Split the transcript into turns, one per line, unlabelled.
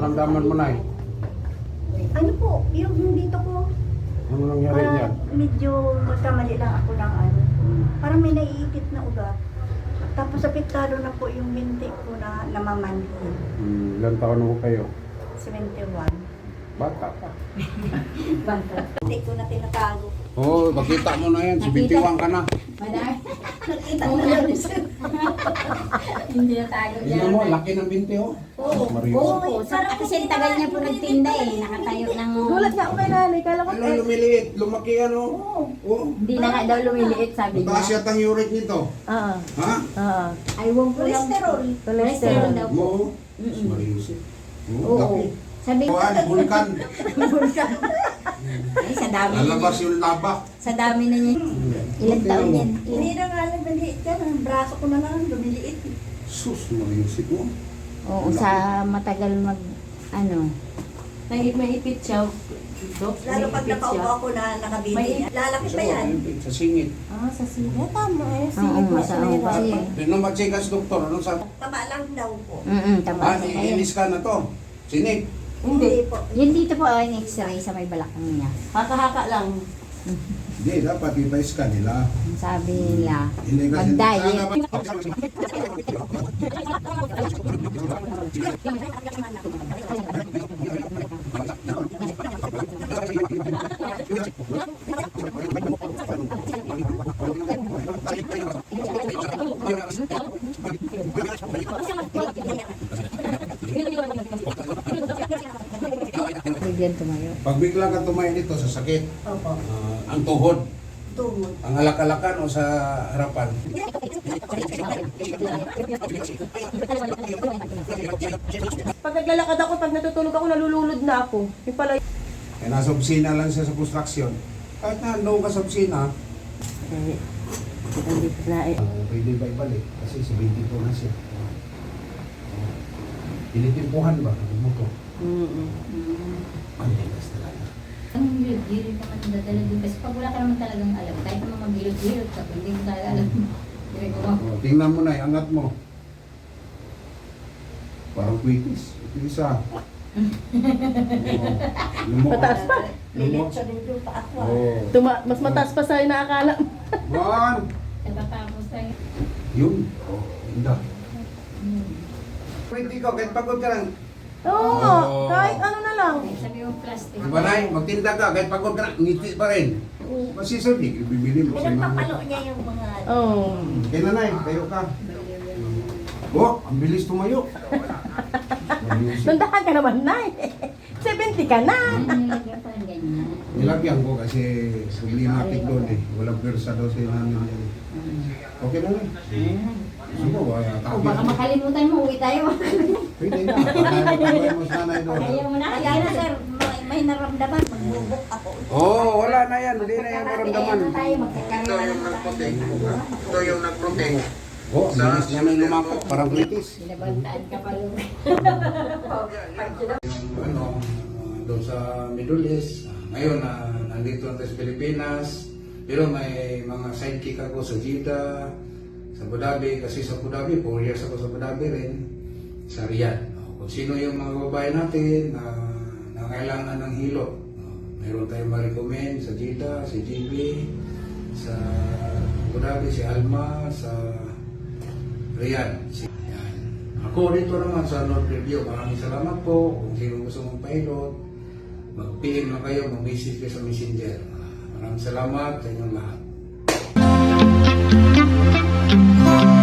nararamdaman mo, Nay?
Ano po, yung dito ko,
Ano nangyari niyan?
medyo magkamali lang ako ng ano. Parang may naiipit na ugat. Tapos apektado na po yung binti ko na namamanhid.
Ilan taon mo kayo?
71.
Bata pa.
Banta. Hindi ko na tinatago.
Oo, makita mo na yan. 71 ka na.
Madami.
Nakita ko na yan.
Hindi na tayo
Tingnan mo, laki ng binti, oh.
Oo.
Marius.
Oo, kasi ang tagal niya po nagtinda eh. Nakatayo ng...
Gulat nga ako kay nanay. Kala ko
Ano, lumiliit, lumaki ano. Oo.
Hindi na nga daw lumiliit, sabi niya.
Mataas yata ang uric nito.
Oo.
Ha?
Oo.
Aywan ko lang.
Cholesterol.
Cholesterol daw po.
Oo. Marius eh. Oo,
Oo.
laki.
Sabi ko,
Kuhaan, vulkan.
ay sa dami na
Lalabas
niya.
yung laba.
Sa dami na niya. Ilang taon yan?
Hindi na nga lang maliit yan. Ang braso ko na lang lumiliit.
Sus, Marius ito.
Oo, sa matagal mag... Ano?
Maipit siya.
Lalo pag nakaupo ako na nakabili. Lalaki pa yan.
Sa singit.
Ah, sa sila. Tama eh.
Oo, masama kasi.
Tingnan mo, chikas, doktor. Ano sa...
Tama lang daw po.
Tama
Ah,
na kayo.
iinis ka na to. Sinig.
Hindi.
po.
Yun dito po ang x-ray sa may balakang niya.
Haka-haka lang.
Hindi, dapat ipa-scan nila.
Ang sabi nila,
Hindi kasi...
mag-diet. Bigyan tumayo.
Pag bigla ka tumayo dito sa sakit,
Opo.
ang tuhod,
Tumod.
ang alak-alakan o sa harapan.
Pag naglalakad ako, pag natutulog ako, nalululod na ako. Yung pala
Kaya nasa opisina lang siya sa construction. Kahit na doon ka sa opisina,
hindi na eh.
pwede ba ibalik? Kasi 72 na siya. Tinitimpuhan ba? Ano mo to? Ang ligas talaga.
Ang gilid-gilid naman ang dadala din. Kasi pag wala ka naman talagang alam, kahit naman mag-gilid-gilid ka, hindi mo talaga alam. Direk ko
Oh, tingnan mo na, angat mo. Parang quitis. Ito isa.
Mataas pa.
Lilit sa din pa ako.
Oh.
Mas mataas pa sa'yo na akala.
Man!
Natatapos tayo.
Yun. Oh, inda. Pwede ko, kahit pagod ka lang.
Oo,
Oh.
kahit ano na lang.
Sabi mo plastic.
Diba na, magtinda ka, kahit pagod ka lang, ngiti pa rin. Masisod, bibili mo sa
Pinagpapalo niya yung mga...
Oo.
Kaya nanay, tayo ka. Oh, ang bilis tumayo.
Nandahan ka naman na eh. 70 ka na.
Nilagyan pa ng ganyan.
Nilagyan ko kasi problematic doon eh. Walang pwersa daw sa namin yan. Okay na lang. Sumo ba?
O baka makalimutan mo, uwi tayo.
Pwede na. Pagkakabay mo sa nanay doon.
Ayaw mo na.
Kaya na sir, may naramdaman. Magbubok ako.
Oo, wala na yan. Hindi na yan maramdaman.
Ano tayo, magkakaroon na naman tayo.
Ito yung nag-protect. Oh, ang bilis niya na lumapot. Parang kritis.
Binabantaan ka pa lugar.
Ano, doon sa Middle East. Ngayon, nandito na sa Pilipinas. Pero may mga sidekick ako sa Jeddah, sa Abu Dhabi. Kasi sa Abu Dhabi, 4 years ako sa Abu Dhabi rin. Sa Riyadh. Kung sino yung mga babae natin na nangailangan ng hilo. Mayroon tayong ma-recommend sa Jeddah, si GB, sa Abu Dhabi, si Alma, sa Riyadh. Yan. Ako dito naman sa North Review, maraming salamat po. Kung sino gusto mong pilot, mag-PM lang kayo, mag-message kayo sa Messenger. Maraming salamat sa inyong lahat.